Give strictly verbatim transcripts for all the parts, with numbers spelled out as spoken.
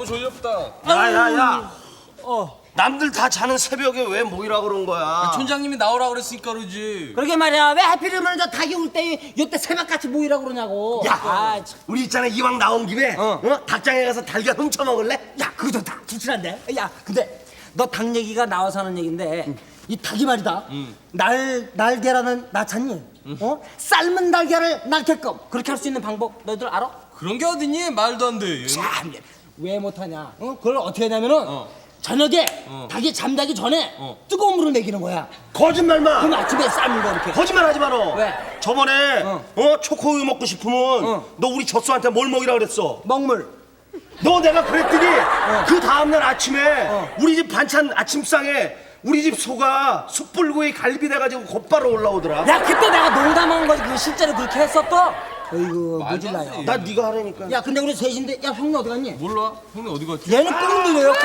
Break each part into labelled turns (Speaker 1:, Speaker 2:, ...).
Speaker 1: 졸렵다.
Speaker 2: 야야야.
Speaker 3: 어.
Speaker 2: 남들 다 자는 새벽에 왜 모이라 그런 거야?
Speaker 1: 촌장님이 나오라 그랬으니까 그러지.
Speaker 3: 그러게 말이야. 왜 하필이면 저 닭이 울 때 이때 새벽같이 모이라 그러냐고.
Speaker 2: 야,
Speaker 3: 아, 참.
Speaker 2: 우리 있잖아 이왕 나온 김에
Speaker 3: 어.
Speaker 2: 어? 닭장에 가서 달걀 훔쳐 먹을래?
Speaker 3: 야, 그거 좋다. 불친한데. 야, 근데 너 닭 얘기가 나와서 하는 얘긴데
Speaker 2: 응.
Speaker 3: 이 닭이 말이다. 응. 날 날계란은 낳잖니. 응. 어? 삶은 달걀을 낳게끔 그렇게 할 수 있는 방법 너희들 알아?
Speaker 1: 그런 게 어딨니? 말도 안 돼.
Speaker 3: 참, 왜 못하냐? 어? 그걸 어떻게 하냐면은
Speaker 1: 어.
Speaker 3: 저녁에
Speaker 1: 어.
Speaker 3: 닭이 잠자기 전에
Speaker 1: 어.
Speaker 3: 뜨거운 물을 먹이는 거야.
Speaker 2: 거짓말마.
Speaker 3: 그럼 아침에 삶은 거 이렇게.
Speaker 2: 거짓말하지 마라.
Speaker 3: 왜?
Speaker 2: 저번에
Speaker 3: 어.
Speaker 2: 어, 초코우유 먹고 싶으면
Speaker 3: 어.
Speaker 2: 너 우리 젖소한테 뭘 먹이라 그랬어?
Speaker 3: 먹물.
Speaker 2: 너 내가 그랬더니 그 다음날 아침에
Speaker 3: 어.
Speaker 2: 우리 집 반찬 아침상에 우리 집 소가 숯불구이 갈비 돼가지고 곧바로 올라오더라.
Speaker 3: 야, 그때 내가 농담한 거지. 그 실제로 그렇게 했었어? 어이구,
Speaker 1: 말도 안
Speaker 3: 모질라요.
Speaker 1: 돼.
Speaker 2: 나 네가 하라니까.
Speaker 3: 야, 근데 우리 셋인데, 야, 형님 어디 갔니?
Speaker 1: 몰라? 형님 어디 갔지?
Speaker 3: 얘는 뻥 들려였고.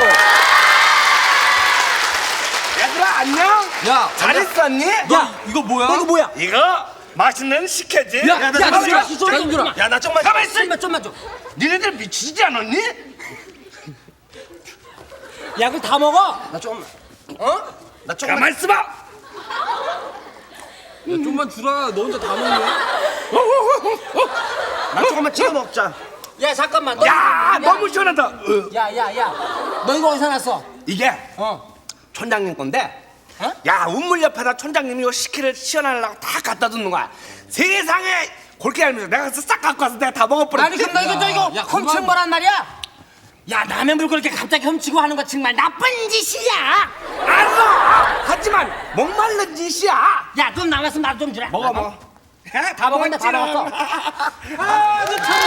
Speaker 4: 얘들아 안녕?
Speaker 1: 야,
Speaker 4: 잘 있었니?
Speaker 1: 너
Speaker 3: 야,
Speaker 1: 이거 뭐야?
Speaker 3: 너 이거 뭐야?
Speaker 4: 이거 맛있는 식혜지?
Speaker 3: 야, 야,
Speaker 2: 나
Speaker 3: 야,
Speaker 2: 잠깐만
Speaker 3: 야,
Speaker 2: 좀
Speaker 3: 좀 좀 줘라.
Speaker 2: 야, 나 좀만.
Speaker 4: 가만 있어.
Speaker 3: 좀만, 좀만 줘.
Speaker 4: 니네들 미치지 않았니?
Speaker 3: 야, 그거 다 먹어.
Speaker 2: 나 조금만. 어? 나 조금만.
Speaker 4: 가만 있어봐.
Speaker 1: 야, 좀만 주라. 너 혼자 다 먹네.
Speaker 2: 나 조금만 찍어 먹자.
Speaker 3: 야, 잠깐만. 너
Speaker 4: 야
Speaker 3: 이거-
Speaker 4: 너무 시원하다. 어.
Speaker 3: 야, 야, 야. 너 이거 어디서 났어?
Speaker 4: 이게
Speaker 3: 어.
Speaker 4: 촌장님 건데.
Speaker 3: 어?
Speaker 4: 야 우물 옆에다 촌장님이 이거 식혜를 시원하려고 다 갖다 두는 거야. 세상에 골게 알면서 내가 가서 싹 갖고 와서 내가 다 먹어버렸지.
Speaker 3: 아니, 그럼 너 이거, 너 이거
Speaker 1: 야,
Speaker 3: 훔친
Speaker 1: 그만.
Speaker 3: 거란 말이야? 야, 남의 물 그렇게 갑자기 훔치고 하는 거 정말 나쁜 짓이야.
Speaker 4: 알아. 하지만 목말른 짓이야.
Speaker 3: 야, 돈 남았으면 나도 좀 주라.
Speaker 4: 먹어 먹어. 해?
Speaker 3: 다 먹었네, 다
Speaker 4: 먹었지.
Speaker 3: 먹었어.
Speaker 4: 아주 참.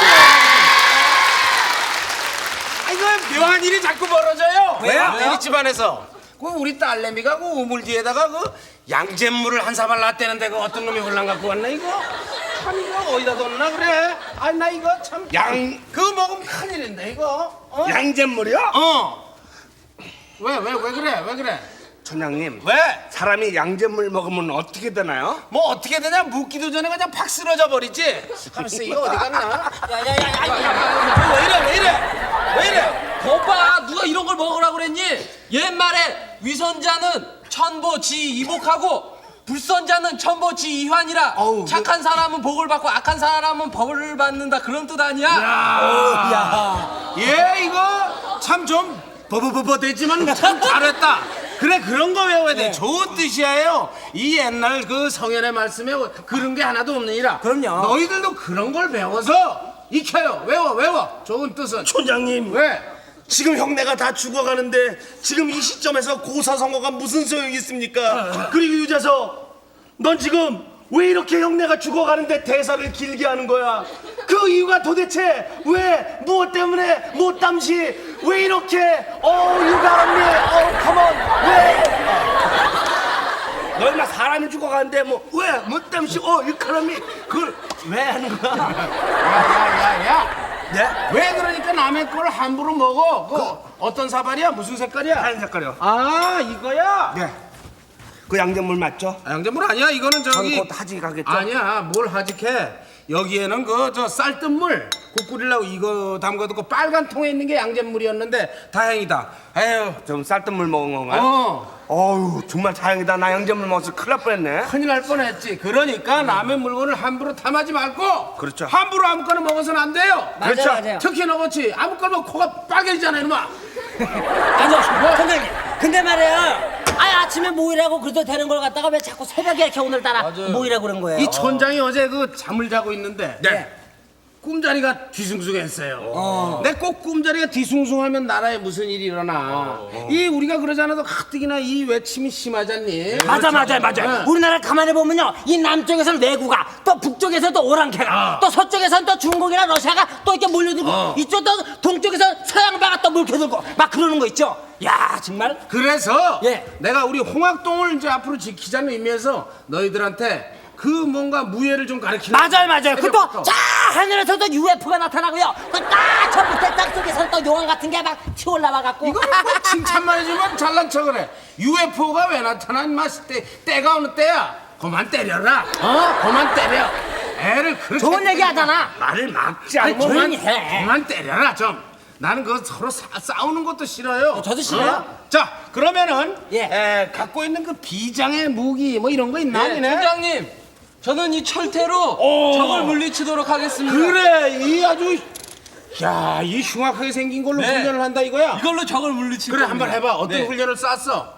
Speaker 4: 아 이거 묘한 일이 자꾸 벌어져요.
Speaker 3: 왜요? 왜요?
Speaker 4: 우리 집안에서 그 우리 딸내미가 그 우물 뒤에다가 그 양잿물을 한 사발 놨대는데 그 어떤 놈이 혼란 갖고 왔나 이거? 참 이거 어디다 뒀나 그래? 아 나 이거 참 양 그거 먹으면 큰일인데 이거. 어? 양잿물이요? 어. 왜 왜 왜 그래 왜 그래? 촌장님 왜? 사람이 양잿물 먹으면 어떻게 되나요? 뭐 어떻게 되냐 묻기도 전에 그냥 팍 쓰러져 버리지. 가만있어 이거 어디 갔나?
Speaker 3: 야, 야, 야, 야, 야, 야.
Speaker 4: 왜 이래 왜 이래 왜 이래?
Speaker 1: 거봐, 누가 이런 걸 먹으라 그랬니? 옛말에 위선자는 천보지 이복하고 불선자는 천보지 이환이라.
Speaker 4: 어우,
Speaker 1: 착한 사람은 복을 받고 악한 사람은 벌을 받는다, 그런 뜻 아니야?
Speaker 3: 야.
Speaker 4: 얘 이거 참 좀 버버버버되지만 참 잘했다. 그래 그런 거 외워야 돼.
Speaker 3: 네.
Speaker 4: 좋은 뜻이에요. 이 옛날 그 성현의 말씀에 그런 게 하나도 없느니라.
Speaker 3: 그럼요.
Speaker 4: 너희들도 그런 걸 배워서 익혀요. 외워 외워. 좋은 뜻은.
Speaker 2: 촌장님.
Speaker 4: 왜?
Speaker 2: 지금 형네가 다 죽어가는데 지금 이 시점에서 고사성어가 무슨 소용이 있습니까? 그리고 유재석, 넌 지금 왜 이렇게 형네가 죽어가는데 대사를 길게 하는 거야? 그 이유가 도대체 왜, 무엇 때문에, 무엇 담시 왜 이렇게 어 유감이 어 컴온 왜? 너 인마 사람이 죽어가는데 뭐 왜, 무엇 담시 어 이 사람이 그걸 왜 하는 거야?
Speaker 4: 야야야야.
Speaker 2: 네?
Speaker 4: 왜 그러니까 남의 걸 함부로 먹어? 그 어떤 사발이야? 무슨 색깔이야?
Speaker 2: 하얀 색깔이요.
Speaker 4: 아 이거야?
Speaker 2: 네. 그 양잿물 맞죠?
Speaker 4: 아, 양잿물 아니야. 이거는 저기
Speaker 2: 전 곧 하지 가겠죠?
Speaker 4: 아니야. 뭘 하직해? 여기에는 그 저 쌀뜨물 국 끓이려고 이거 담가도 그 빨간 통에 있는 게 양잿물이었는데 다행이다. 에휴
Speaker 2: 좀 쌀뜨물 먹은 건가요?
Speaker 4: 어
Speaker 2: 어우 정말 다행이다. 나 양잿물 먹어서 큰일 날 뻔했네.
Speaker 4: 큰일 날 뻔했지. 그러니까 남의 물건을 함부로 탐하지 말고
Speaker 2: 그렇죠.
Speaker 4: 함부로 아무거나 먹어서는 안 돼요.
Speaker 3: 맞아요,
Speaker 2: 그렇죠.
Speaker 3: 맞아요.
Speaker 4: 특히 너 그렇지. 아무거나 먹으면 코가 빨개지잖아 이놈아.
Speaker 3: 아니, 선생님. 근데 말이야. 아니, 아침에 모이라고 그래도 되는 걸 갖다가 왜 자꾸 새벽에 이렇게 오늘따라
Speaker 1: 맞아요.
Speaker 3: 모이라고 그런 거예요?
Speaker 4: 이 촌장이 어제 그 잠을 자고 있는데
Speaker 2: 네.
Speaker 4: 꿈자리가 뒤숭숭했어요. 내 꼭 꿈자리가 뒤숭숭하면 나라에 무슨 일이 일어나. 이 우리가 그러지 않아도 가뜩이나 이 외침이 심하잖니.
Speaker 3: 맞아, 맞아요, 맞아요.
Speaker 4: 네.
Speaker 3: 우리나라 가만히 보면요, 이 남쪽에서는 외구가, 또 북쪽에서는 또 오랑캐가, 또 서쪽에서는 또 중국이나 러시아가 또 이렇게 몰려들고, 이쪽 또 동쪽에서는 서양바가 또 물켜들고, 막 그러는 거 있죠. 야, 정말.
Speaker 4: 그래서
Speaker 3: 예.
Speaker 4: 내가 우리 홍학동을 이제 앞으로 지키자는 의미에서 너희들한테 그 뭔가 무예를 좀 가르치는.
Speaker 3: 맞아요, 맞아요. 그 또
Speaker 4: 새벽부터.
Speaker 3: 자 하늘에서도 유에프오가 나타나고요. 또딱저 밑에 땅 속에서 또 용암 같은 게 막 튀어올라와갖고.
Speaker 4: 이거는 뭐 칭찬만 해주면 잘난 척을 해. 유에프오가 왜 나타나? 인마 때, 때가 어느 때야? 그만 때려라. 어? 그만 때려. 애를 그렇게
Speaker 3: 좋은 얘기 하잖아.
Speaker 4: 말을 막지
Speaker 3: 아니,
Speaker 4: 않고
Speaker 3: 조용히
Speaker 4: 그만,
Speaker 3: 해.
Speaker 4: 그만 때려라 좀. 나는 그 서로 사- 싸우는 것도 싫어요.
Speaker 3: 저도 싫어요.
Speaker 4: 어? 자, 그러면은
Speaker 3: 예.
Speaker 4: 에, 갖고 있는 그 비장의 무기 뭐 이런 거 있나?
Speaker 1: 네,
Speaker 4: 니네?
Speaker 1: 팀장님, 저는 이 철퇴로
Speaker 4: 오.
Speaker 1: 적을 물리치도록 하겠습니다.
Speaker 4: 그래, 이 아주 야, 이 흉악하게 생긴 걸로
Speaker 1: 네.
Speaker 4: 훈련을 한다 이거야.
Speaker 1: 이걸로 적을 물리칠
Speaker 4: 그래,
Speaker 1: 겁니다.
Speaker 4: 한번 해봐. 어떤
Speaker 1: 네.
Speaker 4: 훈련을 쌌어?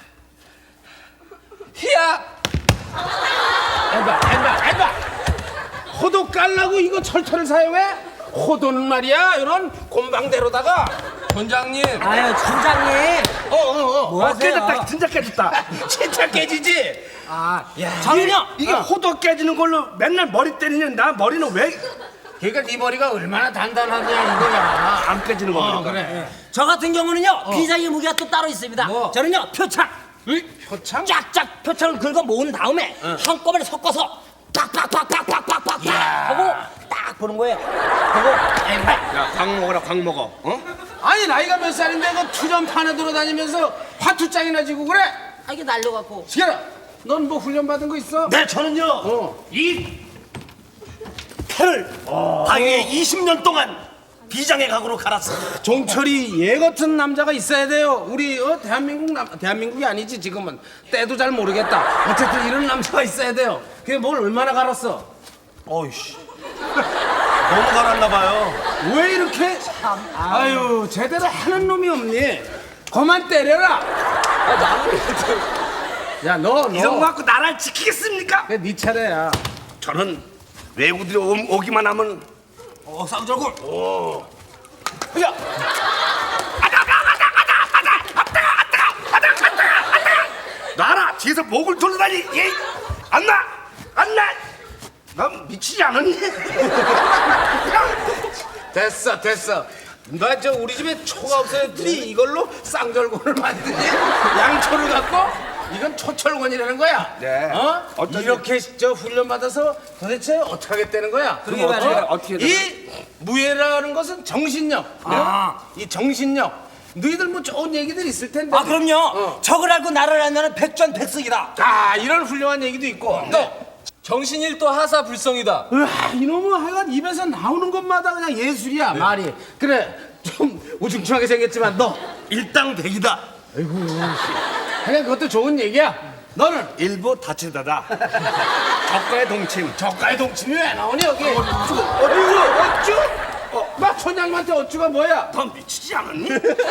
Speaker 1: 히야!
Speaker 4: 해봐, 해봐, 해봐. 호도 깔라고 이거 철퇴를 사용해? 호도는 말이야, 이런 곰방대로다가.
Speaker 1: 원장님,
Speaker 3: 아유 팀장님.
Speaker 4: 어, 어, 어.
Speaker 3: 뭐 하세요?
Speaker 2: 깨졌다, 진짜 깨졌다.
Speaker 4: 진짜 깨지지?
Speaker 3: 아,
Speaker 4: 야,
Speaker 3: 저는요.
Speaker 2: 이게 호도 깨지는 걸로 맨날 머리 때리는 나 머리는 왜
Speaker 4: 그러니까 네 머리가 얼마나 단단하냐 이거야.
Speaker 2: 안 깨지는 겁니까?
Speaker 4: 어, 그래.
Speaker 3: 저 같은 경우는요 비장의 무기가 또 따로 있습니다.
Speaker 4: 뭐?
Speaker 3: 저는요 표창.
Speaker 4: 표창?
Speaker 3: 쫙쫙 표창을 긁어 모은 다음에 한꺼번에 섞어서 팍팍팍팍팍팍팍
Speaker 4: 야.
Speaker 3: 하고 딱 보는 거예요. 그리고
Speaker 2: 야, 광 먹어라, 광 먹어. 어?
Speaker 4: 아니 나이가 몇 살인데 그 투전판에 돌아다니면서 화투장이나 지고 그래?
Speaker 3: 아, 이게 날려갖고.
Speaker 4: 시계라, 넌 뭐 훈련 받은 거 있어?
Speaker 2: 네, 저는요
Speaker 4: 어.
Speaker 2: 이 패를 바위에 이십 년 동안 비장의 각으로 갈았어.
Speaker 4: 종철이 얘 같은 남자가 있어야 돼요. 우리 어, 대한민국 남 대한민국이 아니지 지금은 때도 잘 모르겠다. 어쨌든 이런 남자가 있어야 돼요. 그게 뭘 얼마나 갈았어?
Speaker 2: 어이씨, 너무 갈았나 봐요.
Speaker 4: 왜 이렇게? 아유 제대로 하는 놈이 없니? 그만 때려라.
Speaker 1: 아, 나는
Speaker 4: 야 너
Speaker 2: 이 정도
Speaker 4: 너.
Speaker 2: 갖고 나라를 지키겠습니까?
Speaker 4: 그게 네 차례야.
Speaker 2: 저는 외국들이 오, 오기만 하면 어, 쌍절골. 오. 야. 아다, 아다, 아다, 아다, 아다, 아다, 아다, 아다, 아다, 아다. 나라 뒤에서 목을 돌려다니. 예. 안 나, 안 나. 난 미치지 않았니?
Speaker 4: 됐어 됐어. 너 저 우리 집에 초가 없어졌더니 이걸로 쌍절곤을 만드니? 양초를 갖고? 이건 초철곤이라는 거야.
Speaker 2: 네.
Speaker 4: 어?
Speaker 2: 어떤
Speaker 4: 이렇게 저 훈련 받아서 도대체 어떻게 하겠다는 거야?
Speaker 3: 그러게 말이에요.
Speaker 4: 어?
Speaker 2: 어떻게
Speaker 4: 이 무예라는 것은 정신력.
Speaker 3: 아.
Speaker 4: 어? 이 정신력. 너희들 뭐 좋은 얘기들 있을 텐데.
Speaker 3: 아 그럼요.
Speaker 4: 어.
Speaker 3: 적을 알고 나를 알면 백전백승이다.
Speaker 4: 아 이런 훌륭한 얘기도 있고. 또
Speaker 1: 정신일도 하사불성이다.
Speaker 4: 으아, 이놈은 하여간 입에서 나오는 것마다 그냥 예술이야 말이. 그래 좀 우중충하게 생겼지만 너
Speaker 2: 일당백이다.
Speaker 4: 그냥 그것도 좋은 얘기야. 너는
Speaker 2: 일부 다치다다. 적과의 동침.
Speaker 4: 저가의 동침이 왜 나오니 여기? 어쭈? 어쭈? 어쭈? 어, 막 촌장님한테 어쭈가 뭐야?
Speaker 2: 넌 미치지 않았니?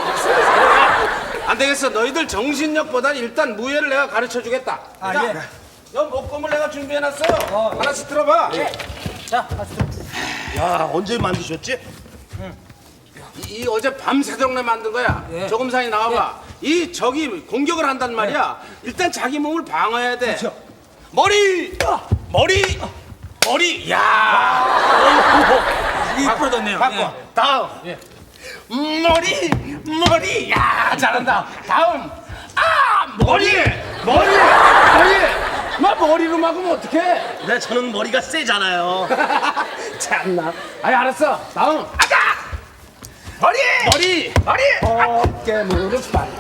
Speaker 4: 안 되겠어. 너희들 정신력보단 일단 무예를 내가 가르쳐 주겠다.
Speaker 3: 아,
Speaker 4: 자,
Speaker 3: 예.
Speaker 4: 너 목검을 내가 준비해놨어요. 하나씩 들어봐.
Speaker 3: 자,
Speaker 2: 야, 언제 만드셨지?
Speaker 4: 이, 이 어제 밤새도록 만든 거야.
Speaker 3: 예.
Speaker 4: 조금 사이 나와봐. 이 적이 공격을 한단 말이야. 일단 자기 몸을 방어해야 돼. 머리, 머리, 머리. 야,
Speaker 3: 이게 부러졌네요.
Speaker 4: 바꿔.
Speaker 3: 예.
Speaker 4: 다음. 머리, 머리. 야, 잘한다. 다음. 아, 머리, 머리, 머리. 막 머리로 막으면 어떡해?
Speaker 2: 네, 저는 머리가 세잖아요.
Speaker 4: 참나. 아이 알았어. 다음. 아가. 머리. 머리. 머리. 어깨 무릎 발.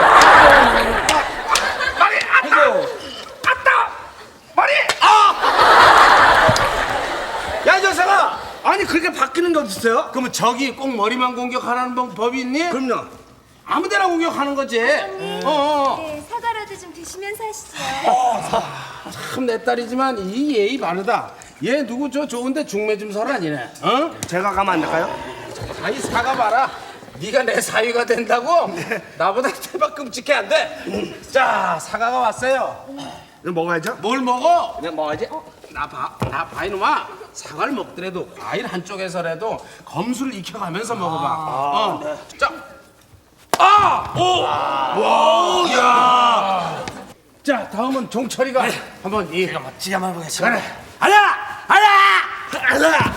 Speaker 4: 머리. 아따. 아따. 머리. 아. 야, 이 녀석아.
Speaker 2: 아니, 그렇게 바뀌는 게 어딨어요?
Speaker 4: 그러면 적이 꼭 머리만 공격하는 법- 법이 있니?
Speaker 2: 그럼요.
Speaker 4: 아무데나 공격하는 거지. 어, 어.
Speaker 5: 네, 사과라도 좀 드시면서 하시죠.
Speaker 4: 참 내 딸이지만 이 예의 바르다. 얘 누구 저 좋은데 중매 좀 설아니네. 어?
Speaker 2: 제가 가면 안 될까요?
Speaker 4: 아이 사과 봐라. 네가 내 사위가 된다고? 나보다 대박 끔찍해 안 돼. 자 사과가 왔어요.
Speaker 2: 이거 먹어야죠?
Speaker 4: 뭘 먹어?
Speaker 3: 그냥 먹어야지.
Speaker 4: 나 봐, 나 봐 이놈아. 사과를 먹더라도 과일 한쪽에서라도 검술을 익혀가면서 먹어봐. 어. 자. 아! 오! 와! 야! 자 다음은 종철이가 한번 이
Speaker 3: 지가 한번 보겠습니다.
Speaker 4: 그래. 하나! 하나! 하나!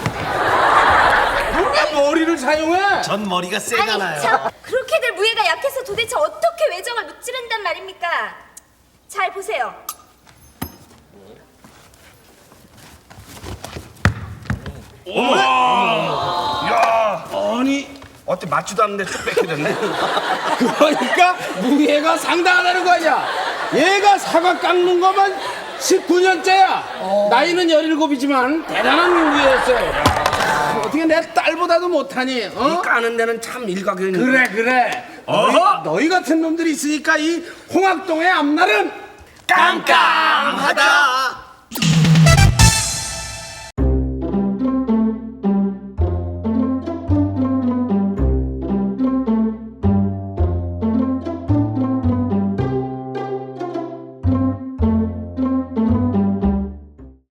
Speaker 4: 왜 머리를 사용해?
Speaker 2: 전 머리가
Speaker 5: 아니,
Speaker 2: 세잖아요.
Speaker 5: 참 그렇게들 무예가 약해서 도대체 어떻게 외정을 무찌른단 말입니까? 잘 보세요.
Speaker 2: 야,
Speaker 4: 아니
Speaker 2: 어때 맞지도 않는데 쭉 뺏겨졌네.
Speaker 4: 그러니까 무예가 상당하다는 거 아니야. 얘가 사과 깎는 것만 십구 년째야. 나이는 열일곱이지만 대단한 인구였어요. 야, 어떻게 내 딸보다도 못하니? 어?
Speaker 6: 이 까는 데는 참 일가견이.
Speaker 4: 그래 그래. 너희, 너희 같은 놈들이 있으니까 이 홍학동의 앞날은
Speaker 6: 깜깜하다.